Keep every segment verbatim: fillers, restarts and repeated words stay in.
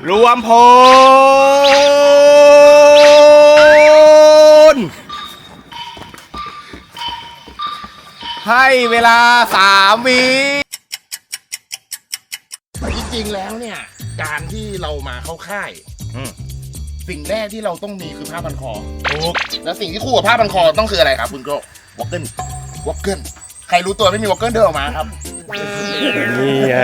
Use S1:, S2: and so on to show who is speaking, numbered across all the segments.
S1: รวมพลให้เวลาสามวิ
S2: จริงๆแล้วเนี่ยการที่เรามาเข้าค่ายสิ่งแรกที่เราต้องมีคือผ้าพันคอถูกแล้วสิ่งที่คู่กับผ้าพันคอต้องคืออะไรครับคุณโก้วอลเกิลวอลเกิลใครรู้ตัวไม่มีวอลเกิลเดินออกมาครับ
S1: นี่ไง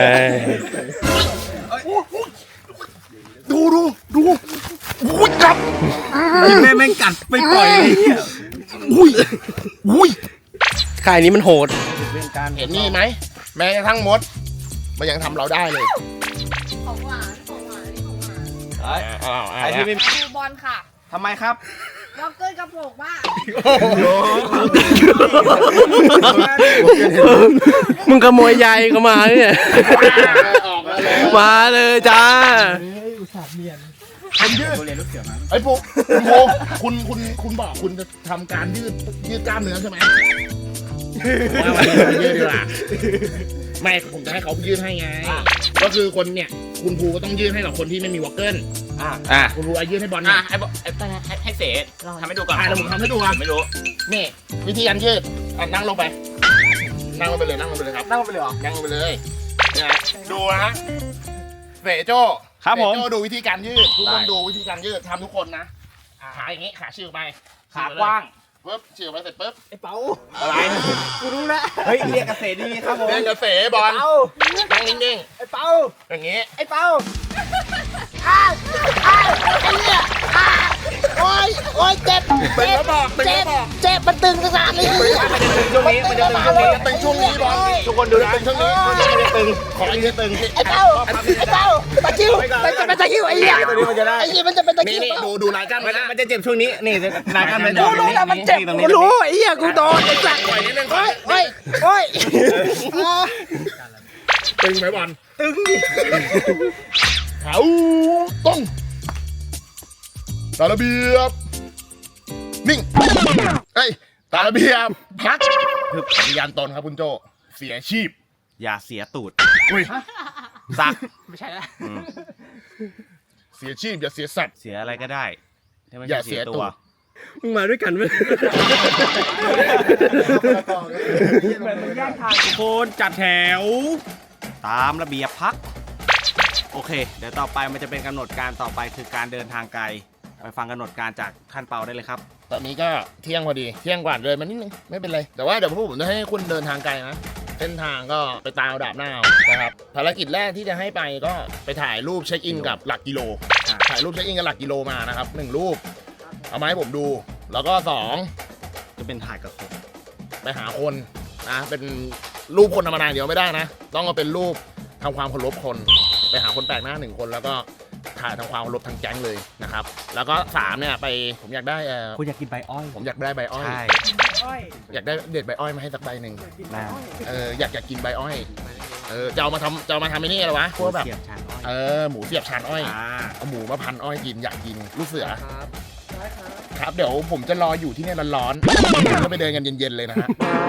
S2: ดูดูดูอุ้ยจับ
S1: แม่แม่งกัดไม่ปล่อยเลย
S2: อุ้ยอุ้ย
S1: ค่ายนี้มันโหด
S2: เห็นนี่ไหมแม้กระทั่งมดมันยังทำเราได้เลย
S3: ของหวานของหวานนี่ของหวาน
S2: ไอ้ที่ไม่
S3: ดูบอลค่ะ
S1: ทำไมครับ
S3: ล็อกเกอร์กระโปรงบ้า
S1: มึงขโมยใยก็มาเนี่ยมาเลยจ้า
S2: คุณยืดไอ้พวกคุณโมคุณคุณคุณบอกคุณจะทำการยืดยืดกล้ามเนื้อใช่ไหมยืดดีกว่าไม่ผมจะให้เขายืดให้ไงก็คือคนเนี่ยคุณครูก็ต้องยืดให้กับคนที่ไม่มีวอลเกิลอ่าคุณครูยืดให้บอลนะ
S4: ให้ให้ให้เสร็จทำให้ดูก่อน
S2: อ่าเดี๋ยวผมทำให้ดูครับ
S4: ไม่รู้
S2: นี่วิธีการยืดนั่งลงไปนั่งลงไปเลยนั่งลงไปเลยครับ
S1: นั่งลงไปเลยเหรอ
S2: นั่งลงไปเลยเนี่ยดูนะเสโจ้
S1: ครับผม
S2: โจ้ดูวิธีการยืดทุกคนดูวิธีการยืดทำทุกคนนะขาอย่างงี้ขาชิวไป
S1: ขากว้าง
S2: ปึ๊บชิวไปเสร็จปึ๊บ
S1: ไอ้เป๋า
S2: อะไร
S1: กูรู้แล้วเฮ้ยเรียกเกษตรดีครับผม
S2: เรียกเกษตรบอลนั่งนิ่ง
S1: ๆไอ้เป๋า
S2: อย่างงี้
S1: ไอ้เป๋า
S3: อ้าวอ้าวไอ้เนี่ยอ้าวโอ๊ยโอ๊ยเจ็บ
S2: เป็นแล้วบอกเป็นแล้วบอก
S3: เจ็บมันตึงขนาดนี้
S1: มันจะตึงช่วงนี้มันจะตึงช่วงนี้
S2: ตึงช่วงนี้บอล
S1: ทุกคนดูนะ
S2: ตึงช่วงนี้มันจะตึงขอไอ้นี่ตึง
S3: ไอ้เป้าไอ้เป้าตะคิวมันจะเป็นตะคิวไอ้เนี่ย
S1: ตัวนี้มันจะได้
S3: ไอ้เนี่ยมันจะเป็นตะคิว
S2: นี่ดูดูรายการ
S1: มันจะเจ็บช่วงนี้นี่รายการมัน
S3: กูรู้แต่มันเจ็บกูรู้ไอ้เหี้ยกูโดนไอ้สัตว์
S2: ปล่อยนิดนึง
S3: โอ๊ยโอ๊ยโอ๊ย
S2: ตึงไหมบอลตึงเขาต้องตาระเบียบนิ่งเอ้ยตาระเบียบพักคือปฏิญาณตนครับคุณโจเสียชีพ
S1: อย่าเสียตูด
S2: อุ้ย
S1: สัก
S3: ไม่ใช่แล้ว
S2: เสียชีพอย่าเสียสัตว์
S1: เสียอะไรก็ได้
S2: อย่าเสียตัว
S1: มึงมาด้วยกันไหมทุกคนจัดแถวตามระเบียบพักโอเคเดี๋ยวต่อไปมันจะเป็นกำหนดการต่อไปคือการเดินทางไกลไปฟังกำหนดการจากท่านเปาได้เลยครับ
S2: ตอนนี้ก็เที่ยงพอดีเที่ยงกว่าเลยมานิดนึงไม่เป็นไรแต่ว่าเดี๋ยวพวกผมจะให้คุณเดินทางไกลนะเส้นทางก็ไปตามดาบหน้านะครับภารกิจแรกที่จะให้ไปก็ไปถ่ายรูปเช็คอินกับหลักกิโลถ่ายรูปเช็คอินกับหลักกิโลมานะครับหนึ่งรูปเอามาให้ผมดูแล้วก็สอง
S1: จะเป็นถ่ายกับคน
S2: ไปหาคนนะเป็นรูปคนธรรมดาเดียวไม่ได้นะต้องเอาเป็นรูปทำความเคารพคนไปหาคนแปลกหน้าหนึ่งคนแล้วก็ถ่ายทำความเคารพทางแก๊งเลยนะครับแล้วก็สามเนี่ยไปผมอยากได้เออ
S1: คุณอยากกินใบอ้อย
S2: ผมอยากได้ใบอ้อย
S1: ใช่
S2: อยากได้เด็ดใบอ้อยมาให้สักใบหนึ่งเอออยากอยากกินใบอ้อยเออจะเอามาทำจะเอามาทำไอ้นี่อะไรวะพวกแบบเออหมูเสียบชานอ้อยเอาหมูมาพันอ้อยกินอยากกินลูกเสือครับเดี๋ยวผมจะรออยู่ที่นี่ร้อนๆก็ไปเดินกันเย็นๆเลยนะฮะ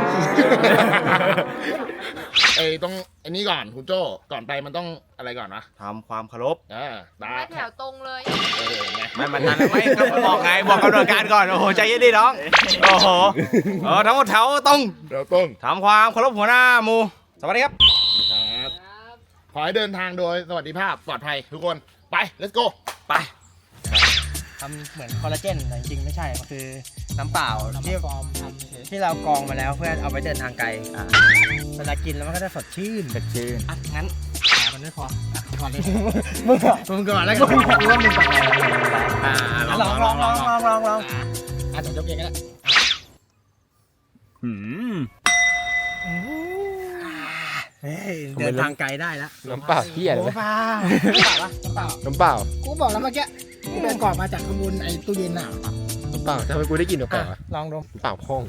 S2: ไอ้ต้องไอ้นี่ก่อนคุณโจ้ก่อนไปมันต้องอะไรก่อนนะ
S1: ทำความเคารพ
S2: อ่า
S3: ตาแถวตรงเลย
S1: ไม่มันทันไม่ครับบอกไงบอกกำหนดการก่อนโอ้โหใจเย็นดิน้องโอ้โหเออทั้งหมดแถวตรง
S2: แถวตรง
S1: ทำความเคารพหัวหน้าหมู่สวัสดีครับ
S2: ครับขอให้เดินทางโดยสวัสดิภาพปลอดภัยทุกคนไป let's go
S1: ไป
S5: ทำเหมือนคอลลาเจนแต่จริงๆไม่ใช่มันคือน้ำเปล่าที่ที่เรากรองมาแล้วเพื่อเอาไปเดินทางไกลเวลากินแล้วมันก็จะสดชื่น
S1: สดชื่น
S5: อ่ะงั้นมันไม่พอก่อนเลยมึงก่อนมึงก่อนแล้วก็มึงก่อนว่ามึงก่อนอ่าลองลองลองลองลองลองอ่ะแต่ยกเองก็ได้
S1: หืม
S5: เดินทางไกลได้แล้ว
S1: น้ำเปล่าพี่ใหญ่เลย
S5: น้ำเปล่าน้ำเปล่า
S1: น้ำเปล่า
S5: กูบอกแล้วเมื่อกี้กูเดินก่อนมาจากขบวนไอ้ตู้เย็นน่ะ
S1: น้ำเปล่าทำไมกูได้กินน้ำเปล่า
S5: ลองดู
S1: เปล่าพ่อง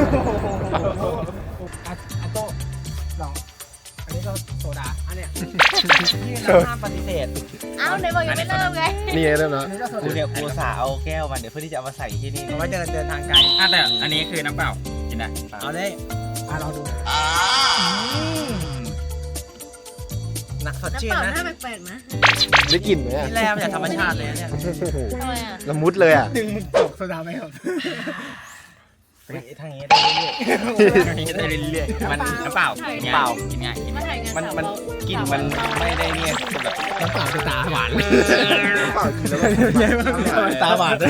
S5: อันโต้ลองอันนี้ก็โซดาอันเนี้ยที่เราห้ามปฏิเสธ
S3: อ้าวไหนบอกยังไม่เริ่มไง
S1: นี่เริ่มแล้ว
S5: กูเนี่ยกูสาเอาแก้วมันเดี๋ยวเพื่อที่จะเอามาใส่ที่นี่เอาไว้เดินเดินทางไกล
S4: อ่ะแต่อันนี้คือน้ำเปล่ากินได้
S5: เอาได้อ่ะลองดูนักสดชื่นนะ
S3: น้ำเปล่าหน้าแปลกๆนะได้กลิ่นไหม
S5: นี่แร่มาจากธรรมชาติเลยเนี่ย
S6: ทำไมอ่ะ
S3: ละมุดเลยอ่ะ
S5: ดึงมึงตกโซดาไหมครับทางนี้ได้เรื่อยๆทางนี้ได้เรื่อย
S4: มันน้ำเปล่ากินง่าย
S1: เปล่า
S4: กินง่ายกิน
S6: มา
S4: ง่าย
S6: ถ่ายงาน
S1: มัน
S6: สาว
S1: มัน
S6: เรา
S1: กลิ่นมันไม่ได้เนี่ยแบบ
S5: ๆน้ำเปล่าคือตาหวาน
S3: เปล่ากินแล้ว
S5: ตาหวานเลย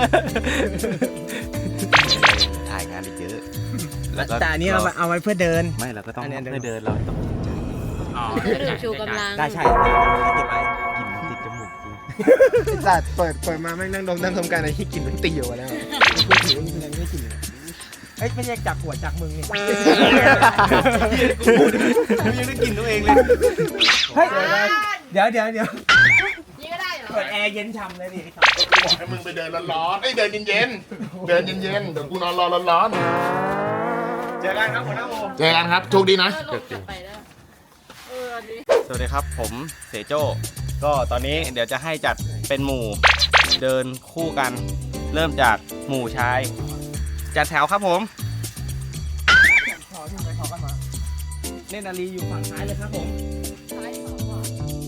S1: ถ่ายงานอีกเยอะ
S5: แต่อันนี้เราเอาไว้เพื่อเดิน
S1: ไม่เราก็ต้อง
S5: อันนี้เดิน
S1: เพื่อเดินเราต้อง
S4: อ๋อ
S6: ก็ดื่มชูกำลัง
S5: ได้ใช่เก็บไว้
S1: กลิ่นติดจมูกจริง
S3: ไอ้สัตว์เปิดเปิดมาแม่งนั่งดมนั่งทำการอะไรที่กลิ่นมันตีอยู่แล้ว
S5: พูดถึงว่ายังไม่กินเอ้ยไม่ใช่จากหัวจากมึงนี่
S1: กูยังได้กลิ่นตัวเองเลย
S5: เฮ้ยเดี๋ยวเดี๋ยวเดี๋ยว
S6: นี่ก็ได้เหรอ
S5: เปิดแอร์เย็นฉ่ำเลยดิ
S2: กูบอกให้มึงไปเดินร้อนๆไอ้ยเดินเย็นๆเดินเย็นๆเดี๋ยวกูนอนรอร้อน
S1: เจอกันครับหัวหน้าโม
S2: ๆเจอกันครับโชคดีนะ
S6: เออลงกลับไปได้เออดี
S1: สวัสดีครับผมเสโจ้ก็ตอนนี้เดี๋ยวจะให้จัดเป็นหมู่เดินคู่กัน เริ่มจากหมู่ชาย จัดแถวครับผม
S5: ขอขึ้นไปขอกันมาเล่นอารีอยู่ฝั่งซ้ายเลยครับผม
S6: ซ้ายขวาขวา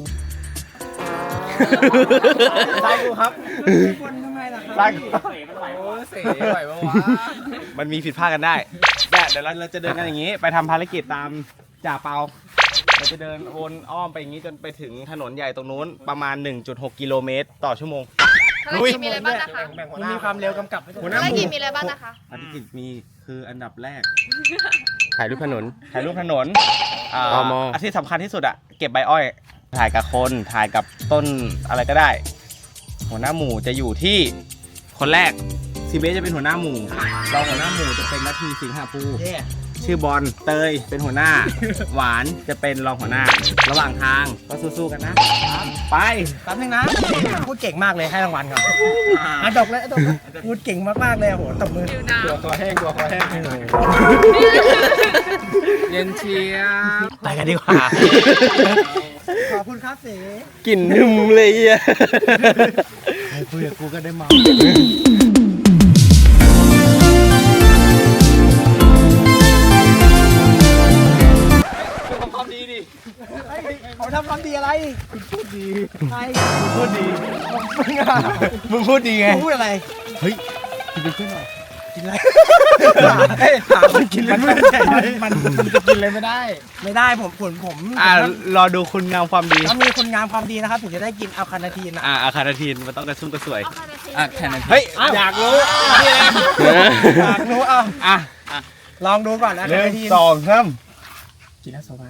S5: ซ้ายกูครับคนทำไมล่ะครับ
S1: ซ้ายกู
S5: โอ้เสียไหวปะวะ
S1: มันมีผิดพลาดกันได้แต่เดี๋ยวเราเราจะเดินกันอย่างนี้ ไปทำภารกิจตามจ่าเปาเราจะเดินวนอ้อมไปอย่างนี้จนไปถึงถนนใหญ่ตรงนู้นประมาณ หนึ่งจุดหก กิโลเมตรต่อชั่วโมง
S6: ภารกิจมีอะไรบ้างนะคะ
S5: มันมีความเร็วกำกับไว้ด้วย
S6: ภารกิจมีอะไรบ้างนะคะ
S1: ภารกิจมีคืออันดับแรก
S3: ถ่ายรูปถนน
S1: ถ่ายรูปถนนอ่า
S3: ตม
S1: อันที่สำคัญที่สุดอะเก็บใบอ้อย ถ่ายกับคน ถ่ายกับต้นอะไรก็ได้ หัวหน้าหมู่จะอยู่ที่คนแรกซีเบสจะเป็นหัวหน้าหมู่รองหัวหน้าหมู่จะเป็นนาทีสิงหาภู
S5: เย่
S1: ชื่อบอลเตยเป็นหัวหน้า หวานจะเป็นรองหัวหน้า ระหว่างทางก็สู้ๆกันนะ ไป
S5: แป๊บนึงนะพูดเก่งมากเลยให้รางวัลครับอ่ะดอกเลยดอกเลยพูดเก่งมากๆเลยโอ้โหตบมือ
S6: ดิวน้
S3: ตัวคอแห้งตัวคอแห้ง
S5: เย็นเชียร์ไปกันดีกว่า ขอบคุณครับเส
S1: กลิ่นหึมเลยอ่ะ
S5: ใครคุยกับกูก็ได้เมาเขาทำความดีดิเขาทำความดีอะไรคุณพูดดีใครคุณพูดดีมึงอะ
S1: มึงพูดดีไง
S5: มึงพูดอะไร
S1: เฮ้ยกินไปขึ้นหน่อย
S5: กินอะไรเฮ้ยหาคนกินเลยไม่ได้มันมันจะกินเลยไม่ได้ ไม่ได้ผมผมผม
S1: อ่ารอดูคุณงามความดี
S5: ถ้ามีคนงามความดีนะครับถึงจะได้กินอัลคาเนาทีนนะ
S1: อ่าอาคาราทีนมันต้องกระชุ่มกระสวย
S6: ำเอาคาราเท
S4: อ่ะแค่นั้น
S1: เฮ้ย
S5: อยากรู้อยากรู้เอา
S1: อ่ะ
S5: ลองดูก่อนนะ
S1: หนึ่ง
S5: ที
S1: สองสาม
S5: กินแล้วสบาย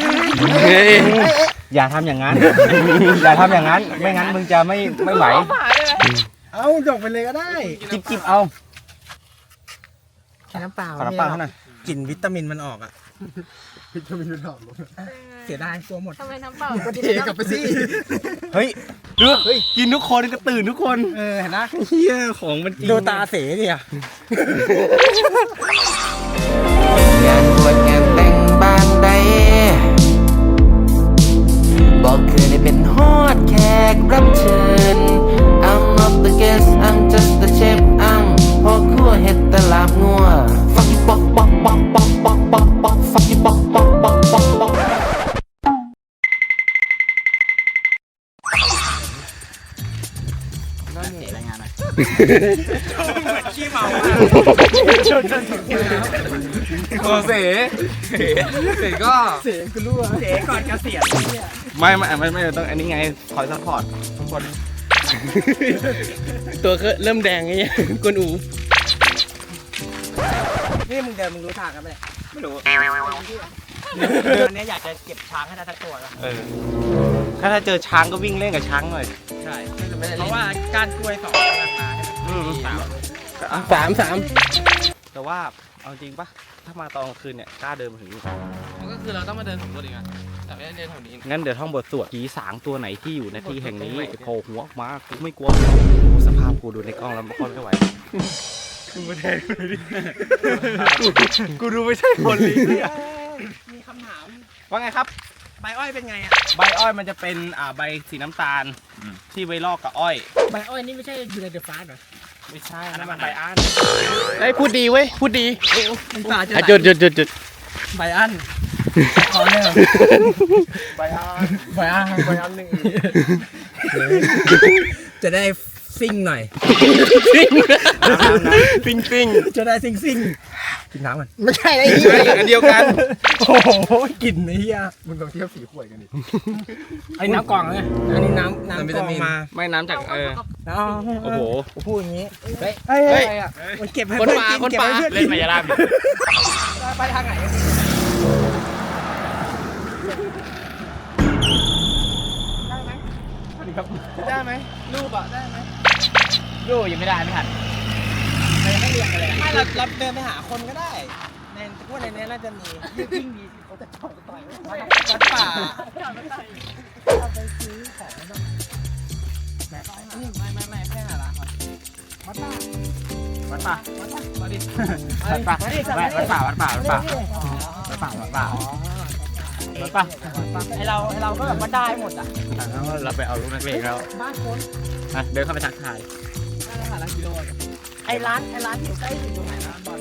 S1: อย่าทำอย่างนั้น อย่าทำอย่างนั้น ไม่งั้นมึงจะไม่ไม่ไหว
S5: เอาจบไปเลยก็ได้
S1: จิบจิบเอา
S5: กินน้ำเปล่า
S1: ขอน้ำเปล่าเท่านั้น
S5: กลิ่นวิตามินมันออกอ่ะวิตามินมันออกเสียดายตัวหมด
S6: ทำไมน้ำเปล่า
S5: เทกลับไปสิ
S1: เฮ้ยดูกินทุกคนก็ตื่นทุกคน
S5: เออเห็นนะ
S1: เฮียของมันจริง
S5: ดูตาเสดิอ่ะ
S7: งานบวชงานแต่งบ้านใดบอกเคยได้เป็นฮอดแขกรับเชิญ I'm not the guest I'm just the chef I'm พ่อครัวเฮ็ดแตลาบงัว Fuck you pop pop pop pop pop pop pop Fuck you pop pop pop pop pop
S4: รายงานหน่อย
S5: ขี้เมา
S1: โอเสเสก็
S5: เสกูรู้อ่ะเสก่อนเกษียณ
S1: ไม่ไม่ไม่ไม่ต้องอันนี้ไงคอยซัพพอร์ตทุกคน
S3: ตัวก็เริ่มแดงไงกวนอู
S5: นี่มึงเดินมึงรู้ทางกันไหม
S1: ไม่รู้
S5: วันนี้อยากจะเก็บช้างให้ได้สักตัวแล้ว
S1: เออถ้าถ้าเจอช้างก็วิ่งเล่นกับช้างหน่อย
S5: ใช่เพราะว่าการกล้วยสองราคาให้มัน
S1: อืม
S3: สามสาม
S1: แต่ว่าเอาจริงปะถ้ามาตอนกลางคืนเนี่ยกล้าเดินมาถึงนี่
S4: ก็คือเราต้องมาเดินสำรวจอีกอ่ะแต่ไม่ได้เดินแถวนี้
S1: งั้นเดี๋ยวท่องบทสวดผีสางตัวไหนที่อยู่ในที่แห่งนี้จะโผล่หัวออกมากูไม่กลัวสภาพกูดูในกล้องแล้วไม่ค่อยไม่ไหวกูไม่แทนกูเลยดิกูดูไม่ใช่คนเลย
S5: มีคำถาม
S1: ว่าไงครับ
S5: ใบอ้อยเป็นไงอ่ะ
S1: ใบอ้อยมันจะเป็นอ่าใบสีน้ำตาลที่ไว้ลอกกับอ้อย
S5: ใบอ้อยนี่ไม่ใช่อยู่ในเดอะฟาสเหรอ
S1: ไม่ใช่อันนั้นมันใบอ้าน
S3: ไอ้พูดดีเว้ยพูดดี
S5: มันป่าจะ
S3: อ่ะจุดจุดจุดจุด
S5: ใบอันขอเนี่ย
S1: ใบอ้าน
S5: ใบอันใบอันหนึ่งจะได้ซิ่งหน่อย
S1: ซิงซิง
S5: จะได้ซิ่งซิ่งกินน้ำมัน
S2: ไม่ใช่ไอ้
S1: ไม่อันเดียวกัน
S5: โอ้โหกลิ่นไอ้เหี้ย
S2: มึงลองเทียบสีขวดกันดิ
S5: อันนี้น้ำกล่องเลยอันนี้น้ำน้ำกล่องมา
S1: ไม่น้ำจากเออ
S5: อ๋อ
S1: โอ้โห
S5: ผมพูดอย่างนี้เฮ้ยเฮ้ย
S1: เฮ้ย
S5: มันเก็บให้
S1: คน
S5: เพื่อน
S1: ป่า
S5: กิน
S1: คน
S5: เก็บ
S1: ป่า
S5: ให้เพื่อน
S1: เล่
S5: กิ
S1: น
S5: น
S1: มายาลาบดิ
S5: ไปทางไหน
S4: ได้ไหมรูปอ่ะได้ไหมรูปยังไม่ได้ไม่ทัน
S5: ไม่เรียกอะไรไม่เราเราเดินไปหาคนก็ได้ ในพวกในนี้น่าจะมียิ่งดีเขาจะต่อยต่อยวัดป่าเอาไปซื้อของต้องแม่ไม่ไม่ไม่แค่หาร้านก่อนวัดป่า
S4: วัดป่ะ
S5: วัดป่าวัดดิ
S4: วัดป่ะวัดป่ะวัดป่ะวัดป่ะวัดป่ะวัดป่ะวัดป่ะ
S5: ไอเราไอเราก็แบบว่าได้หมดอ่ะ
S4: เราไปเอาลูกนักเลงแล้ว
S5: บ้านคน
S4: อ่ะเดินเข้าไปทักทาย
S5: ร้านละกิโลไอร้านไอร้านที่อยู่ใกล้สุดตรงไหนร้านบอล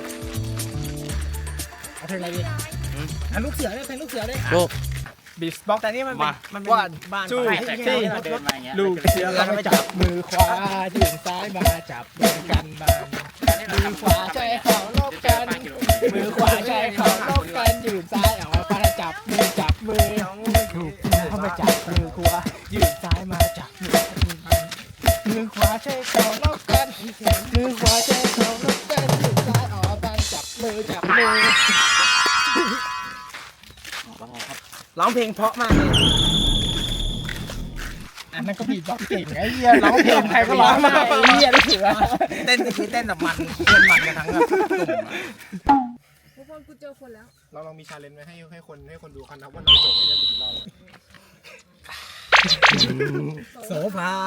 S5: เอาเพลงอะไรดีอ่ะลูกเสือได้เพลงลูกเสือได้
S1: ลูก
S5: บีสบ็อกแต่นี่มันเป็นมันเป็นบ้าน
S4: จู้
S5: บ้าน
S4: แท็ก
S5: ที่
S4: ซี่
S5: ที่
S4: เดินมาอย่างเงี้ย
S5: ลูกเสือเราไปจับมือขวายืนซ้ายมาจับมือกันบ้านมือขวาใช้เขาลบกันมือขวาใช้เขาลบกันยืนซ้ายออกมาจับมือจับมือถูกเข้ามาจับมือขวายืนซ้ายมาจับมือมือขวาใช้เขาลบกันมือขวาใช้เขาลบกันยืนซ้ายออกมาจับมือจับมือร้องเพลงเพราะมากเลยอันนั้นก็บีบบ็อกซ์เก่งไอ้เหี้ยร้องเพลงใครก็ร้องได้ไอ้เหี้ยรู้สึกว่าเต้นคือเต้นแบบมันเต้นมันกันทั้งแบบกลุ่ม
S6: ทุกคนกูเจอคนแล้ว
S2: เราลองมีชาเลนจ์ไว้ให้ให้คนให้คนดูกันนะว่าน้ำโจกไม่ได้ดูเรา
S5: โสภา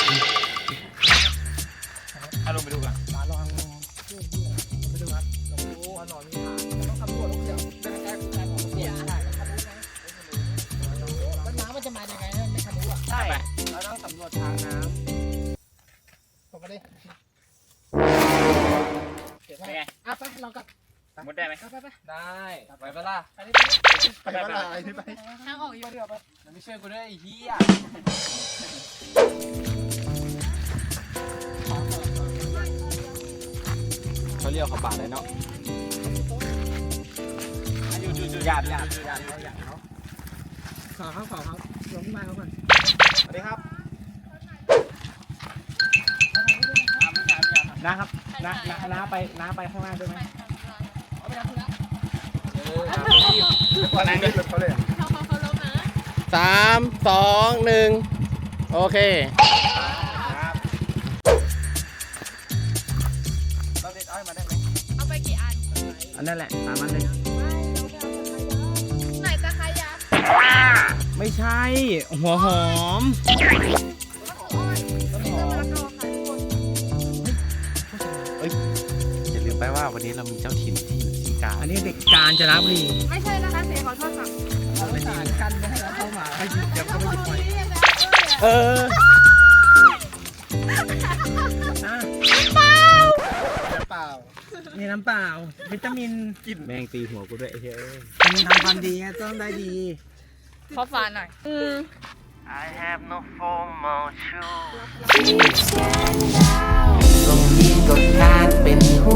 S4: เอาลงไปดูกัน
S5: มาลองเพื่อนที่ไปดูครับลองดูว่านอนมีฐานต้องทำตัวลูกเสือเป็นการการของเสือใช่ทำรู้ไหมแล้วน้ำมันจะมายังไงนะไม่ทำรู้อ่ะใช่เราต้องสำรวจทางน้ำผมก็ได้เดี๋ยวไปอ่ะไปลองกับ
S4: มุดได้ไหม
S5: ไปไป
S4: ได้ไปเปล่า
S5: ไปไป
S2: ไปบ้านอะไรที่ไป
S6: ทางออกอยู่
S5: เดี๋ยวไป
S4: ไม่ช่วยกูด้วยไอ้เหี้ย
S1: เขาเรียกเขาป่าเลยเนาะ
S4: ญาติญาติญาติ
S5: ขอเขาขอเขาลงมาเขาก่อน
S1: สวัสดีครับ
S5: นะครับน้าน้าน้าไปน้าไปข้างล่างด้วยไหม
S2: วันนั้นนี่เขาเลย
S6: เขาเขาเขาลบนะ
S1: สามสองหนึ่งโอเค
S5: เราเด็ดอ้อยมาได้ไหม
S6: เอาไปกี่อัน
S5: อันนั่นแหละตามนั้นเลย
S6: ไหนจะขยะ
S1: ไม่ใช่ หัวหอม
S6: ต้นหอมมะละกอค่ะทุกคน
S1: อย่าลืมไปว่าวันนี้เรามีเจ้าถิ่นที่อยู่ที่กาญ
S5: อันนี้เด็กกาญจนบุรี
S6: ไม่ใช่นะคะเสียขอโทษค่ะ
S5: เราไปสารกันไม่ให้เราเข้ามาให้หยิบเดี๋ยวเขาไม่หยิบไป
S1: เออ
S2: เปล่า
S5: มีน้ำเปล่าวิตามิน
S1: แม่งตีหัวกูด้วยไอ้เหี้ยเอ้ย
S5: ทำทำความดีไงต้องได้ดี
S6: ขอฝาหน่อยอืม
S7: ตรงนี้ก็ขาดเป็นหู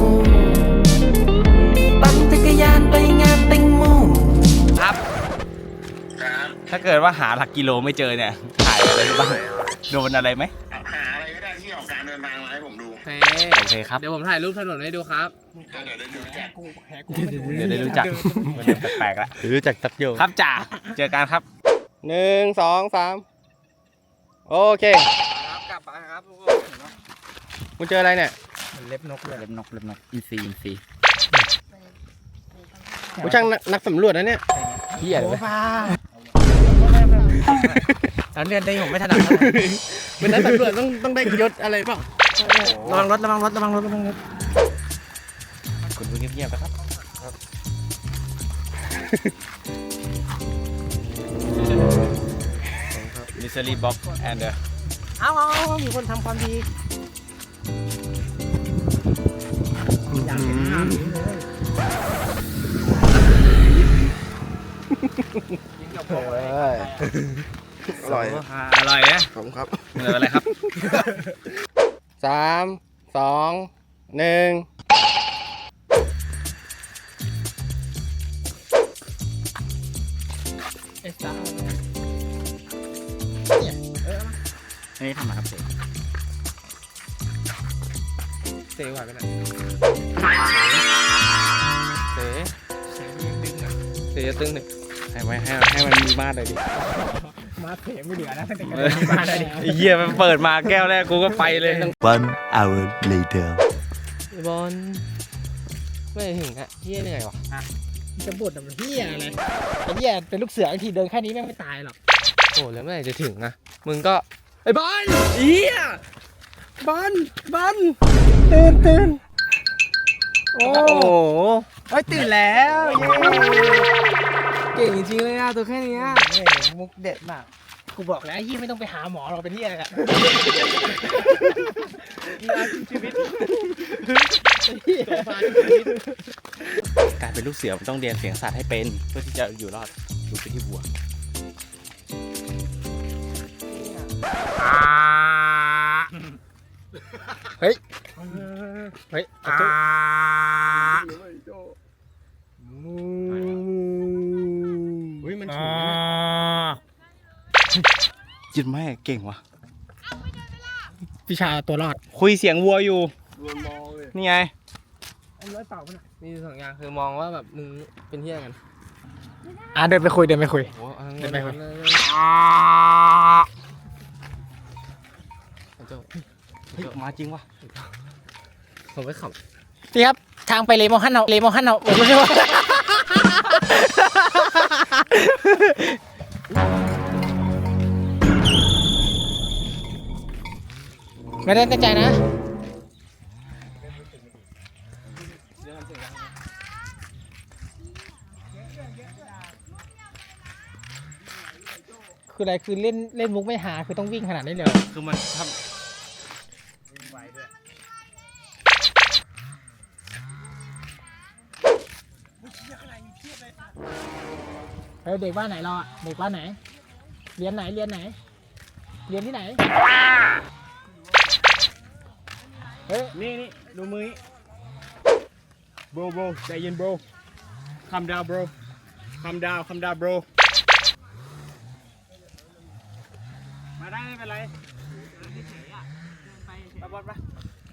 S7: ปั่นจักรยานไปงานแตงโม
S1: ครับ ถ้าเกิดว่าหาหลักกิโลไม่เจอเนี่ยถ่ายอะไรบ้างโดนอะไรไหม
S2: หาอะไรก็ได้ที่ออกการเดินทางมาให้ผมดู
S4: โอเค
S1: โอเคครับ
S4: เดี๋ยวผมถ่ายรูปถนนให้ดูครับ
S2: เดี๋ยวได้ดูแจก
S1: เดี๋ยวได้รู้จักมันเริ่มแปลกๆละรู้จักตักโยครับจ่าเจอกันครับหนึ่งสองสามโอเค
S4: ครับกลับมาครับทุกคน
S1: คุณเจออะไรเนี่ย
S5: เล็บนกเลย
S1: เล็บนกเล็บนกอินซีอินซีผู้ช่างนักสำรวจนะเนี่ยเฮียเลย
S5: โอ้ฟ้าแล้วเรียนได้ผมไม่ถนัดเท่าไหร่
S1: เป็นนักสำรวจต้องต้องได้ยศอะไรเปล่า
S5: ระวังรถระวังรถระวังรถระวังรถ
S1: คุณดูเงียบๆนะครับ มิสซิลี่บ็อกแอนเดอร์
S5: เอาเอาเอามีคนทำความดีอยากเห็นภาพนี้เลย
S1: เ
S2: อร่อย
S1: อร่อยนะ
S2: ขอบคุณครับ
S1: เหลืออะไรครับ
S5: สามสองหนึ่ง
S6: เอสซ่า
S1: อันนี้ทำมาครับเสก
S5: เสียหวานไปหน่อยเสียเสียยังดึงอ่ะเสียตึงหนึ่ง
S1: ให้ไว้ให้ให้มันมีมาดเลยดิ
S5: มาเสียไม่เหลือนะตั้งแต่กันมาได้ดิ
S1: ไอ้เหี้ยมันเปิดมาแก้วแรกกูก็ไปเลย
S8: One hour later.
S5: บอลไม่ถึงอะเฮียเหนื่อยวะจะบ่นแต่มันเฮียอะไรไอ้เฮียเป็นลูกเสือทีเดินแค่นี้แม่งไม่ตายหรอกโอ้แล้วเมื่อไหร่จะถึงอะมึงก็ไอ้บอลเฮียบอลบอลตื่นตื่นโอ้โหเฮ้ยตื่นแล้วเย้เก่งจริงๆเลยอะตัวแค่นี้มุกเด็ดมากกูบอกแล้วเฮียไม่ต้องไปหาหมอหรอกเป็นเฮียอะไรอะชีวิต
S1: การเป็นลูกเสือมันต้องเรียนเสียงสัตว์ให้เป็นเพื่อที่จะอยู่รอดดูไปที่วัว
S5: เฮ้ย เฮ้ยอ่าเฮ้ยมันถูก
S1: ยินแม่เก่งว่ะ
S5: วิชาตัวรอด
S1: คุยเสียงวัวอยู่นี่ไง
S5: อันร้อยเป่ามันมีสองอย่างคือมองว่าแบบมึงเป็นเที่ยกันอ่ะเดินไปคุยเดินไปคุยเดินไปคุย
S1: เฮ้ยมาจริงว่ะ
S5: ผมไปขับนี่ครับทางไปเลโมฮันเอาเลโมฮันเอาผมไม่ใช่ว่าไม่ได้ตั้งใจนะคืออะไรคือเล่นเล่นมุกไม่หาคือต้องวิ่งขนาดนี้เลย
S1: คือมันท
S5: เฮ้ยเด็กบ้านไหนเราอ่ะเด็กบ้านไหนเรียนไหนเรียนไหนเรียนที่ไหนเฮ้ย
S1: ำนี่นี่ดูมือโบโบใจเย็นโบคำดาวโบคำดาวคำดาวโบมาได้ไม่เป็นไรไปบอลปะ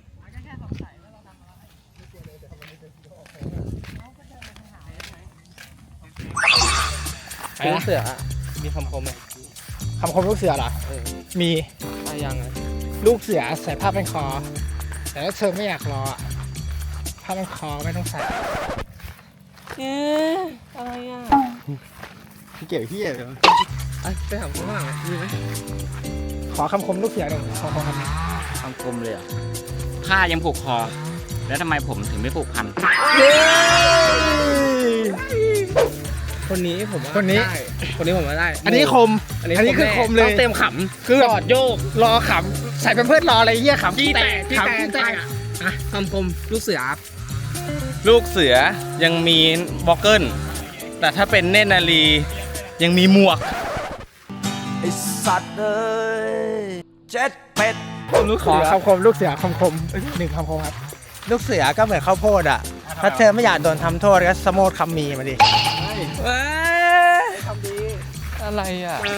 S5: ลูกเสือมีคำคมไหมคำคมลูกเสือเหรอมีอะไรยังไงลูกเสือใส่ผ้าพันคอแต่ถ้าเธอไม่อยากรอผ้าพันคอไม่ต้องใส่เอ๊ะอะไรอ่ะ
S1: เกี่ยวเฮียเลย
S5: ไปถามคุณว่ามีไหมขอคำคมลูกเสือหนึ่งขอคำคม
S1: คำกลมเลยอ่ะผ้ายังผูกคอ แล้วทำไมผมถึงไม่ผูกพัน
S5: คนนี้ผมคนนี้คนนี้ผมว่าได้
S3: อันนี้คม
S5: อันนี้คือคมเลยต้องเต็มขำคือแบบโยกรอขำใส่เป็นเพื่อนรออะไรเงี้ยขำขี้แตกขำขี้แตกอ่ะคำคมลูกเสือ
S1: ลูกเสือยังมีบ็อกเกิลแต่ถ้าเป็นเนตรนารียังมีหมวก
S8: ไอสัตว์เอ้ยเจ็ดเป็ด
S5: ขอคำคมลูกเสือคำคมหนึ่งคำคมครับ
S3: ลูกเสือก็เหมือนข้าวโพดอ่ะ ถ้าเธอไม่อยากโดนทำโทษก็สโมดคำมีมาดิ
S5: อะไรอ่ะ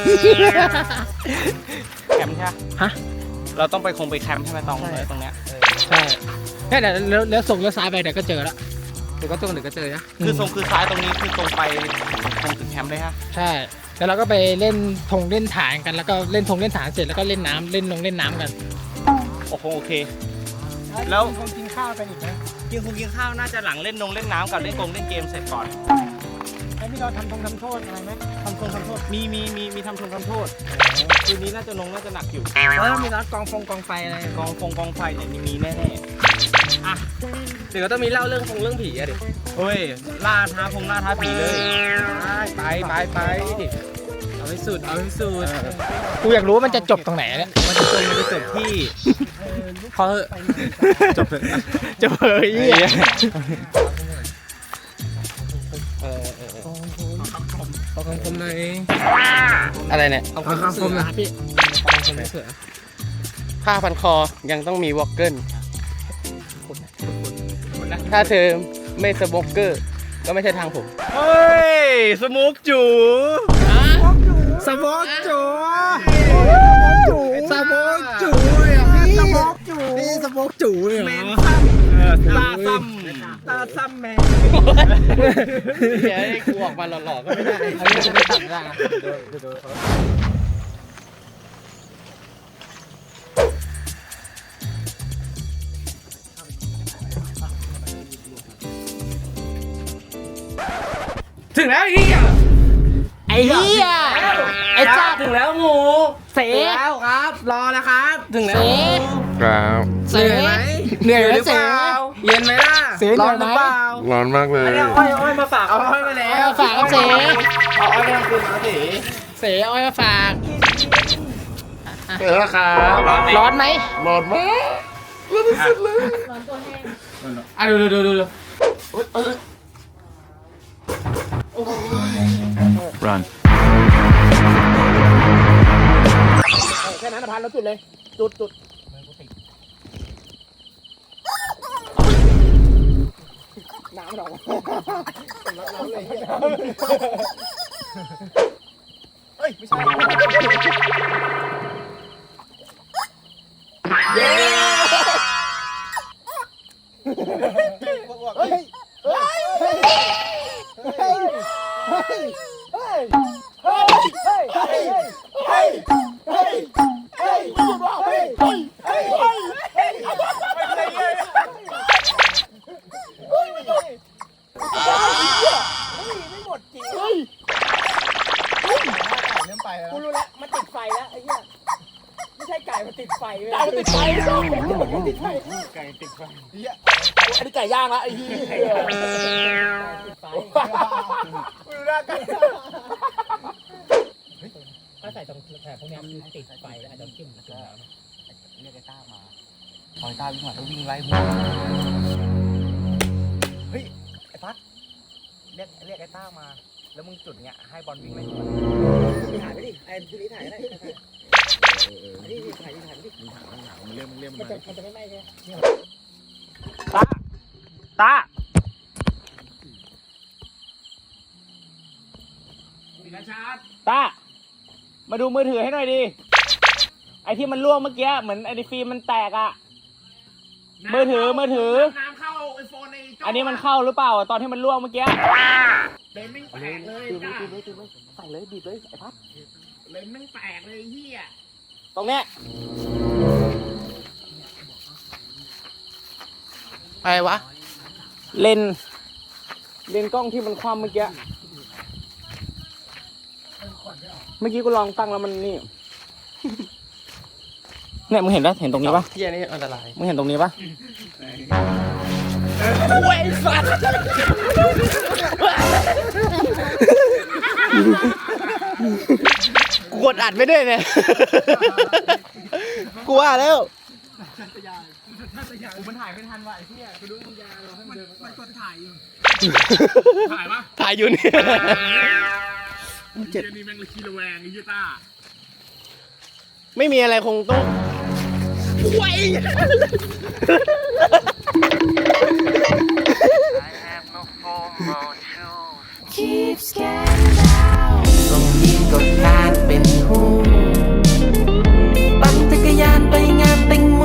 S1: แคมป์ใช่ไหม
S5: ฮะ
S1: เราต้องไปคงไปแคมป์ใช่ไหมตรงเลยตรงเนี้ย
S5: ใช่แค่เดี๋ยวเลี้ยวเลี้ยวส่งเลี้ยวซ้ายไปเดี๋ยวก็เจอแล้วเดี๋ยวก็ตรงเดี๋ยวก็เจอนะ
S1: คือทรงคือซ้ายตรงนี้คือตรงไปตรงถึงแคมป์เลยฮะ
S5: ใช่แล้วเราก็ไปเล่นธงเล่นฐานกันแล้วก็เล่นธงเล่นฐานเสร็จแล้วก็เล่นน้ำเล่นลงเล่นน้ำกัน
S1: โอ้โหโอเค แล้ว
S5: คงกินข้าวกันอีกนะ
S1: กินคงกินข้าวน่าจะหลังเล่นนงเล่นน้ำกับเล่นกงเล่นเกมเสร็จก่อน
S5: แล้วมีเราทำธงทำโทษอะไรไหมทำธงทำโทษ
S1: มีมีมีมีทำชงทำโทษคืนนี้น่าจะลงน่าจะหนักอยู่
S5: แล้วมีนัดกองฟงกองไฟอะไร
S1: กองฟงกองไฟเนี่ยมีมีแน่ๆอ่ะ
S5: เดี๋ยวก็ต้องมีเล่าเรื่องฟงเรื่องผีอะดิ
S1: เฮ้ยล่าท้าพงล่าท้าผีเลย
S5: ไปไปไปเอาให้สุดเอาให้สุดกูอยากรู้ว่ามันจะจบตรงไหนเนี่ย
S1: มันจะจบมันจะจบที่
S5: พอจบเลยจบเลยเออเออเออของผมหน่อย
S1: อะไรเนี่ย
S5: เอาของผมนะครับพี่ของผมเสือ
S1: ผ้าพันคอยังต้องมีวอลเกิลถ้าเธอไม่สโมกเกอร์ก็ไม่ใช่ทางผมเฮ้ยสโมกจู
S5: สมองจูสมองจูอ่ะพี่สมองจูพี่สมองจูเนี่ยเหรอ
S1: ตาซ้ำตาซ้ำแมนเดี๋ยวให้กูออกมาหล่อๆก็ไม่ได้
S5: อันนี้จะไม่ตัดได้นะ
S1: ถึงแล้วไอ้เหี้ย
S5: ไอ้เหี้ยไอ้จ้า
S1: ถึงแล้วหมู
S5: เสแล้วครับ รอนะครับ
S1: ถึงแล้ว
S2: ครับ
S5: เสไหมเหนื่อยไหมเส
S1: เย็นไหมล่ะ
S5: เสเหนื่อยไหม
S2: ร้อนมากเลย
S1: เอาอ้อยอ้อยมาฝากเอาอ้อยมาแล้ว
S5: ฝากครับเส
S1: เอาอ้อยมาคืนมาสิ
S5: เสอ้อยมาฝาก
S2: เจอแล้วครับ
S5: ร้อนไหม
S2: ร้อนมากร้อนที่สุดเลย
S5: อ่ะดูดูดูดู
S8: Run
S5: แค่นั้นพันแล้วจุดเลย จุดจุดน้ำหรอน้ำเลยเฮ้ย ไม่ใช่เย้เฮ้ย เฮ้ย เฮ้ย เฮ้ย เฮ้ย เฮ้ย เฮ้ย เฮ้ย เฮ้ย เฮ้ย เฮ้ย เฮ้ย เฮ้ย เฮ้ย เฮ้ย เฮ้ย เฮ้ย เฮ้ย ไม่หมดจริง เฮ้ย เฮ้ยเริ่มไปแล้วกูรู้แล้ว มันติดไฟแล้วไอ้เหี้ย ไม่ใช่ไก่ มันติดไฟเว้ยไก่มันติดไฟไม่ต้องมันติดไฟไก่ติดไฟเหี้ยอันนี้ไก่ย่างละไอ้เหี้ยติดไฟกูรู้แล้วไก่ถ้าใส่ตรงแถบพวกนี้มันติดไฟแล้วอาจจะจิ้มมันจุ่มน้ำเรียกไอ้ต้ามาพอไอ้ต้าวิ่งมาแล้ววิ่งไล่หัวเฮ้ย ไอ้พัดเรียกเรียกไอ้ต้ามา แล้วมึงจุดเนี้ยให้บอลวิ่งไล่หัวถ่ายไปดิไอ้ทีนี้ถ่ายก็ได้อันนี้ถ่ายดิถ่ายดิมึงถ่ายมึงถ่ายมึงเรียกมึงเรียกมันจะมันจะไม่ไหม้ใช่ไหมตาตาตามาดูมือถือให้หน่อยดิ ไอ้ที่มันร่วงเมื่อกี้เหมือนไอ้ฟิล์มมันแตกอะมือถือมือถือน้ำเข้าไอโฟนในอันนี้มันเข้าหรือเปล่าตอนที่มันร่วงเมื่อกี้เลนไม่แตกเลยจ้าใส่เลยบีบเลยไอ้พัดเลนไม่แตกเลยเฮียตรงเนี้ยอะไรวะเลนเลนกล้องที่มันคว่ำเมื่อกี้เมื่อกี้กูลองตั้งแล้วมันนี่ เนี่ยมึงเห็นปะเห็นตรงนี้ปะเที่ยนี่อันตรายมึงเห็นตรงนี้ปะเว้ยสัตว์กูกดอัดไม่ได้เนี่ยกูว่าแล้วมันถ่ายไม่ทันว่ะไอ้เที่ยกูดูมึงยาเราให้มันเดินมันกดถ่ายอยู่ถ่ายปะถ่ายอยู่เนี่ยเจ็ดนี่แม่งเลยขี้ระแวงไอ้ยี่ต้าไม่มีอะไรคงต้องไว้
S7: ส่งยิ้มกดการเป็นหูปั่นจักรยานไปงานแตงโม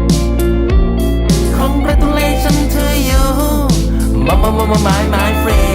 S7: Congratulations to you มามามามา my my friend